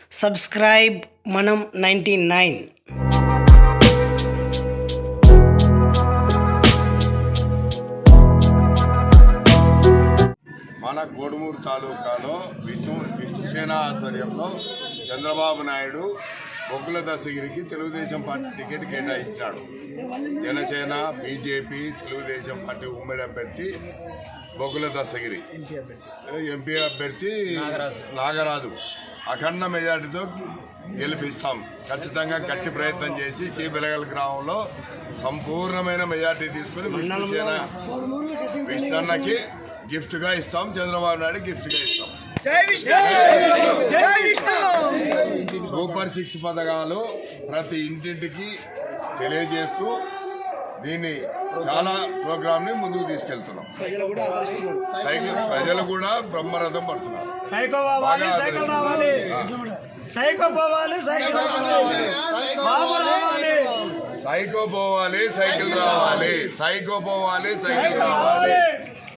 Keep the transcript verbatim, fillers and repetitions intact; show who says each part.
Speaker 1: Subscribe మనం ninety nine.
Speaker 2: మన కోడుమూరు తాలూకాలో విష్ణు విష్ణుసేన ఆధ్వర్యంలో చంద్రబాబు నాయుడు బొగ్గుల దశగిరికి తెలుగుదేశం పార్టీ టికెట్ కేటాయించాడు. జనసేన, బీజేపీ, తెలుగుదేశం పార్టీ ఉమ్మడి అభ్యర్థి బొగ్గుల దశగిరి, ఎంపీ అభ్యర్థి నాగరాజు అఖండ మెజార్టీతో గెలిపిస్తాం. ఖచ్చితంగా గట్టి ప్రయత్నం చేసి శ్రీబెలగల్ గ్రామంలో సంపూర్ణమైన మెజార్టీ తీసుకుని విష్ణుసేన విష్ణన్నకి గిఫ్ట్ గా ఇస్తాం. చంద్రబాబు నాయుడు గిఫ్ట్ గా ఇస్తాం. సూపర్ సిక్స్ పథకాలు ప్రతి ఇంటింటికి తెలియజేస్తూ దీన్ని చాలా ప్రోగ్రామ్ ని ముందుకు తీసుకెళ్తున్నాం. సైకిల్ ప్రజలు కూడా బ్రహ్మరథం పడుతున్నారు.
Speaker 3: సైకో పోవాలి సైకిల్ రావాలి, సైకో పోవాలి సైకిల్ రావాలి, సైకో పోవాలి సైకిల్ రావాలి, సైకో పోవాలి సైకిల్ రావాలి.